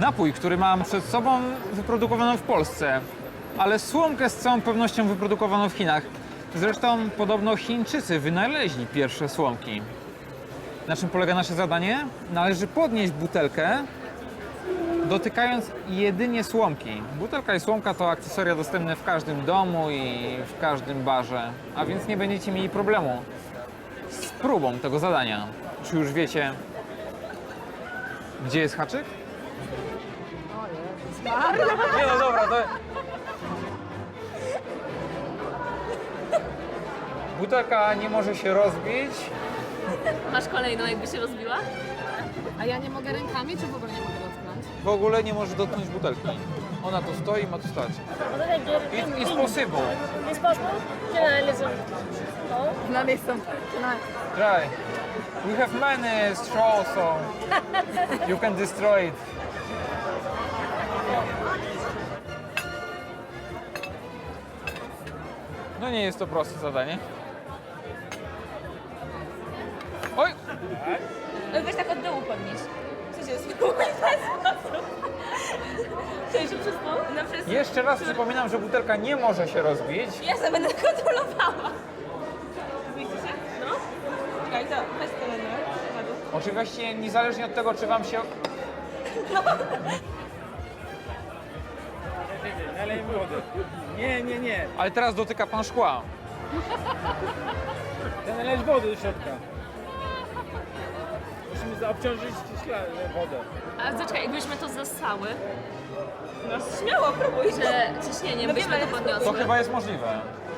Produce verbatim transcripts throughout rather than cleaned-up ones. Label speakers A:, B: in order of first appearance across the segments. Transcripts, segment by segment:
A: Napój, który mam przed sobą, wyprodukowano w Polsce, ale słomkę z całą pewnością wyprodukowano w Chinach. Zresztą podobno Chińczycy wynaleźli pierwsze słomki. Na czym polega nasze zadanie? Należy podnieść butelkę, dotykając jedynie słomki. Butelka i słomka to akcesoria dostępne w każdym domu i w każdym barze, a więc nie będziecie mieli problemu z próbą tego zadania. Czy już wiecie, gdzie jest haczyk? Nie no dobra, to... Butelka nie może się rozbić.
B: Masz kolejną, jakby się rozbiła?
C: A ja nie mogę rękami, czy w ogóle nie mogę dotknąć?
A: W ogóle nie może dotknąć butelki. Ona tu stoi i ma tu stać. It, it's possible.
B: It's possible? Can I listen? No?
C: No nie chcę.
A: Try. We have many straws, so you can destroy it. No nie jest to proste zadanie. Oj!
B: Weź tak od dołu podnieść. Co się stało? Cześć, że przez to? Na przez...
A: Jeszcze raz przypominam, że butelka nie może się rozbić.
B: Ja sobie będę kontrolowała. Widzicie? No? Czekaj, to weź to na dół.
A: Oczywiście niezależnie od tego, czy wam się...
D: Nalej wody. Nie, nie, nie.
A: Ale teraz dotyka pan szkła.
D: Chcę naleć wody do środka. Musimy zaobciążyć szkla- wodę.
B: A zaczekaj, jakbyśmy to zasały. No śmiało, próbuj. Że ciśnieniem
C: No
B: byśmy
C: wiemy,
B: to podniosły.
A: To chyba jest możliwe.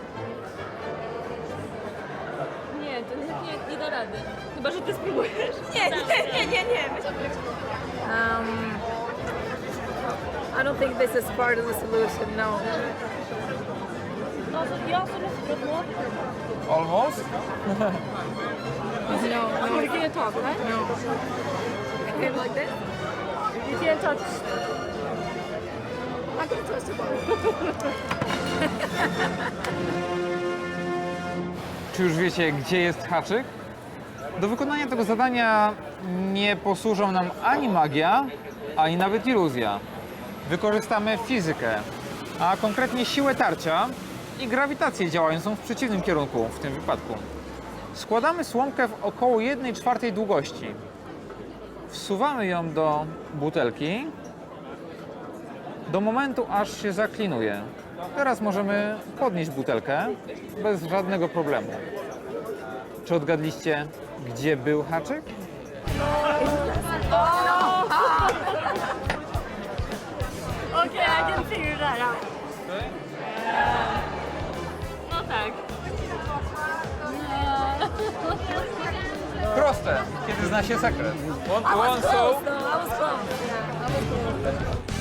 B: Nie, to nie, nie, nie da rady. Chyba, że ty spróbujesz. Nie, nie, nie, nie, nie.
C: Um, I don't think this is part of the solution, no.
B: No, to ja sobie spróbuję.
A: Almost?
C: No, no. You can't talk, right? No. Like this? You can't touch. I can touch the ball.
A: Czy już wiecie, gdzie jest haczyk? Do wykonania tego zadania nie posłużą nam ani magia, ani nawet iluzja. Wykorzystamy fizykę, a konkretnie siłę tarcia i grawitację działającą w przeciwnym kierunku w tym wypadku. Składamy słomkę w około jednej czwartej długości. Wsuwamy ją do butelki do momentu, aż się zaklinuje. Teraz możemy podnieść butelkę bez żadnego problemu. Czy odgadliście, gdzie był haczyk?
B: Okay, I can figure that out. No tak.
A: Proste, kiedy zna się sekret. One, one so,
C: No, I was close. Yeah, I was close.